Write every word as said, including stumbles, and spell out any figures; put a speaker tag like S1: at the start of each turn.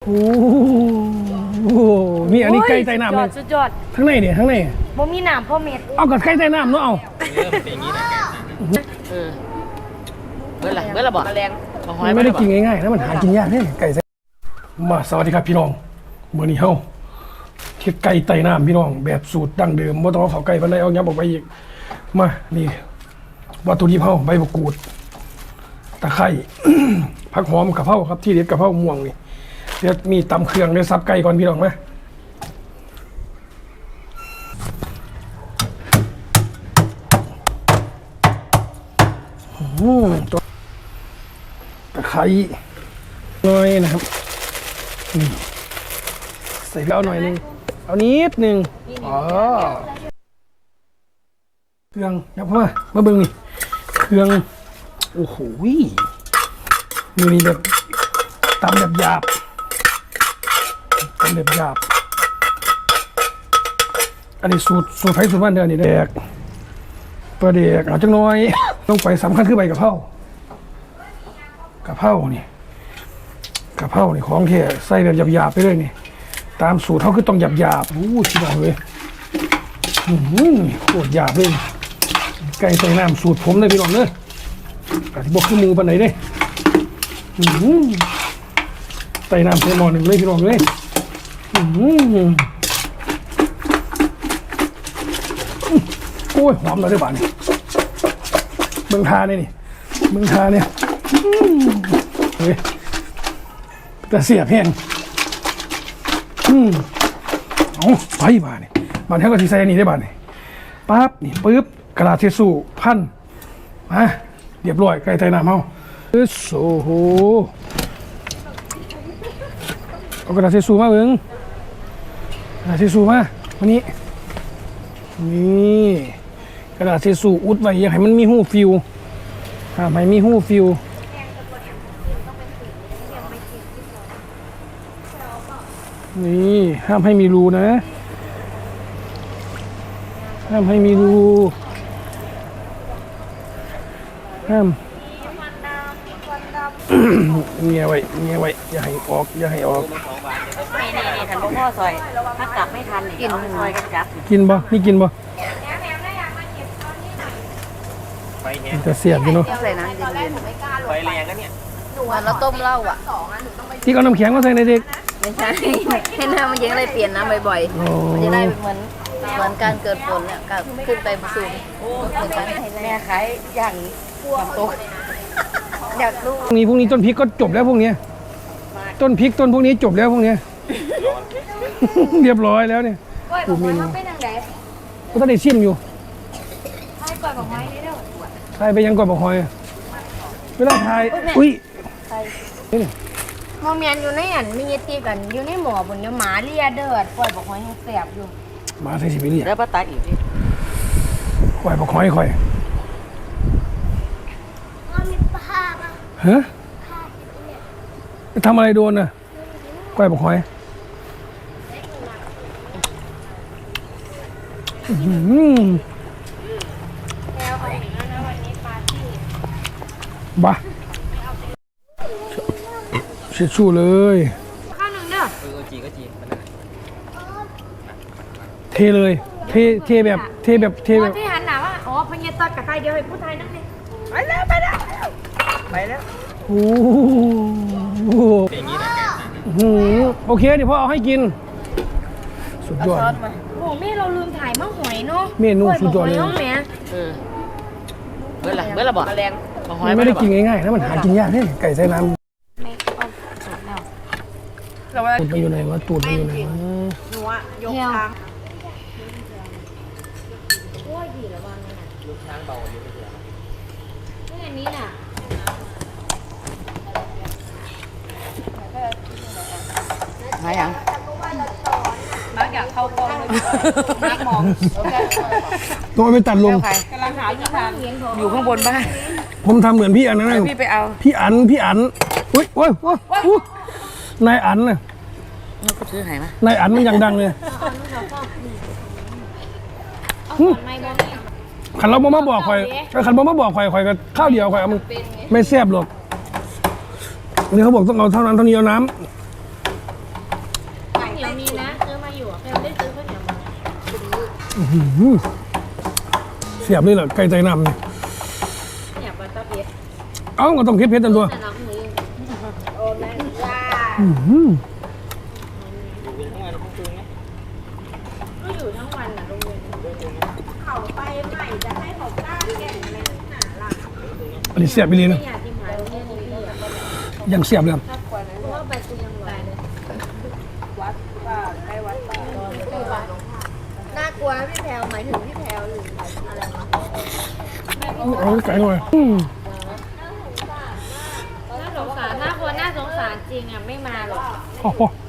S1: โอ้โหนี่อันนี้ไก่ใต้น้ำเลย
S2: สุดยอด
S1: ทั้งในเนี่ยทั้งใน
S2: บ่มีน้ำพ่อเม็ด
S1: เอากับไก่ใต้น้ำเนาะเอา
S3: เริ่มเป็นอย่างนี้นะเออเมื่อไรเมื่อไรบอกแรง
S1: ไม่ได้กินง่ายๆนะมันหากินยากเนี่ยไก่มาสวัสดีครับพี่น้องเมื่อนี้เฮาเที่ยไก่ใต้น้ำพี่น้องแบบสูตรดั้งเดิมไม่ต้องเอาเขาไก่ไปเลยเอาย้ำออกไปอีกมานี่วัตถุดิบเฮาใบมะกรูดตะไคร้ ผักหอมกะเพราครับที่เด็ดกะเพราม่วงนี่เดี๋ยวมีตำเครื่องเดี๋ยวซับไก่ก่อนพี่น้องไหมตัวตะไคร้หน่อยนะครับนี่ใส่ไปเอาหน่อยนึงเอานิดนึงอ๋อเครื่องยับเข้ามามาเบิ่งนี่เครื่องโอ้โหมือนี้แบบตำแบบหยาบตำแบบหยาบอันนี้สูตรสูตรไผ่สูตรบ้านเดือนนี่แดกปลาเด็กเอาจังน้อยต้องไปสำคัญคือใบกะเพรากะเพรานี่กะเพรานี่ของแท้ใส่แบบหยาบๆไปเลยนี่ตามสูตรเขาคือต้องหยาบๆอู้ชิบะเลยอืมโคตรหยาบเลยไก่ใส่น้ำสูตรผมเลยพี่น้องเนอะกะที่บอกคือมูปันไหนเด้อืมใส่น้ำใส่หม้อหนึ่งเลยพี่น้องเลยอืมโอ้ยหอมเลยได้บ้านนี่เมืองทาเนี่ยนี่เมืองทาเนี่ยเฮ้ยแต่เสียบแห้งอืมเอาไปบ้านนี่บ้านแท้ก็ที่ใส่อันนี้ได้บ้านนี่ปั๊บนี่ปึ๊บกระดาษเทสูพันมาเรียบร้อยไก่ไตน้ำเฮาโอ้โหเอากระดาษเทสูมาเบิ้งกระดาษเทสูมาวันนี้นี่กระดาษเทสูอุดไว้ยังให้มันมีหูฟิวห้ามให้มีหูฟิวนี่ห้ามให้มีรูนะห้ามให้มีรูห้ามเงียไว้เงียไว้อย่าให้ออกอย่าให้ออก
S2: นี่นี่นี่ทันพ่อซอยถ้ากลับไม่ทันกินซอยกันจับ
S1: กินบ่นี่กินบ่จะเสียบอยู่เนาะ
S2: ใส่น้ำเย็น
S3: ไฟแรงกันเนี่ย
S2: หนูแล้วต้มเหล้าอ่ะ
S1: ที่เอาน้ำแข็งมาใส่ในเด็ก
S2: ไม่ใช่ให้น้ำมันเย็นเลยเปลี่ยนน้ำบ่อยๆมันจะได้เหมือนเหมือนการเกิดฝนเนี่ยการขึ้นไปสูงเหมือนกันแม่ขายอย่างความตกอยากรู้
S1: พรุ่งนี้พรุ่งนี้ต้นพริกก็จบแล้วพวกนี้ต้นพริกต้นพวกนี้จบแล้วพวกนี้เรียบร้อยแล้วเนี่ยกูมีก็ต้องได้ชิมอยู่ใช่ก่อนบอกไม้นี่เด้อใช่ไปยังก่อนบอกหอยเวลาถ่ายอุ้ย
S2: โมเมนอยู่ในอันมีตีกันอยู่ในหมอบนเนี่ยหมาเลียเดือดปล่อยบอกหอยยังแสบอยู่
S1: หมาใส่สิบเลีย
S3: แล้วป้าตาอีกที
S1: ปล่อยบอกหอยคอยฮะทำอะไรโดนน่ะก้อยบอกหอยบ้าเช็ดชูเลย
S2: ข้าวหนึ่งเด้อ
S3: เออจีก็จี
S1: เทเลยเทเทแบบเทแบบเทแบบ
S2: ที่หันหนาว่าอ๋อพญาตัดกับใครเดียวให้ผู้ไทยนั่นเลยไปแล้วไปแล้วไปแล้ว
S1: โอ้โห
S3: เป็นอย่างนี้นะ
S1: โอเคเดี๋ยวพ่อเอาให้กินสุดยอด
S2: โอ้แม่เราลืมถ่ายมะหอยเนาะ
S1: เมนูสุดยอดเลย
S3: เออเมื่อไรเมื่อไรบอกแรง
S1: ไม่ได้กินง่ายๆนะมันหากินยากเนี่ยไก่ใส่น้ำตูดไปอยู่ไหนวะตูดไปอยู่ไหนวะ
S2: หนูอะยกทางโอ้ยดีแล้วว่างเลยนะ
S3: ยกทางเบาอยู่ไม่เยอะ
S2: นี่อันนี้น่ะ
S3: มาอย่าง
S2: นักอยากเข้ากล้องนักมอง
S1: ตัวไปตัดลง
S2: กำลังหาที่ทางอยู่ข้างบนบ้าน
S1: ผมทำเหมือนพี่อันนั้น
S2: พี่ไปเอา
S1: พี่อันพี่อันอุ้ยโอ้ยโอ้ยนายอันน่ะ
S3: นี่ก็ซื้อหายม
S1: านายอันมันยังดังเลยขันเราบ่มาบอกข่อยขันบ่มาบอกข่อยข่อยก็ข้าวเดียวข่อยเอามันไม่แซ่บหรอกนี่เขาบอกต้องเอาเท่านั้นเท่านี้เอาน้ำ
S4: นียวมีนะซื้อมาอยู่แค่ไม่ได้ซื้อข้าวเหนียวมา
S1: อื้อหือเสียบนี่แหละไก่ใจน้ำนี่
S4: เนี่ยปลาตะเพียน
S1: เอ้าก็ต้องคิดเพชรตันตัว
S4: แต่เราหมูโอ้แม่ย่า
S1: อื้อหือ
S4: ก็อยู่ทั้งวันน่ะโรงเรียนเขาไปใหม่จะให้เขากล้าแก่งอะไรนักหนาล่ะ
S1: อันนี้เสียบไปเลย
S4: ไม่
S1: นะ
S4: อยากที่หายโรงเรียนนี้อ่ะ
S1: ยังเสียบเลย
S4: เพราะว่าไปกูยังไหวเลยวัดป่าใกล้วัดป่าน่ากลัวพี่แพลวหมายถึงพี่แพลวหรืออะไรวะ
S1: เอาไก่หน่อยอืม
S4: น่าสงสารน่ากลัวน่าสงสารจริงอ่ะไม่มาหรอก
S1: พอพอ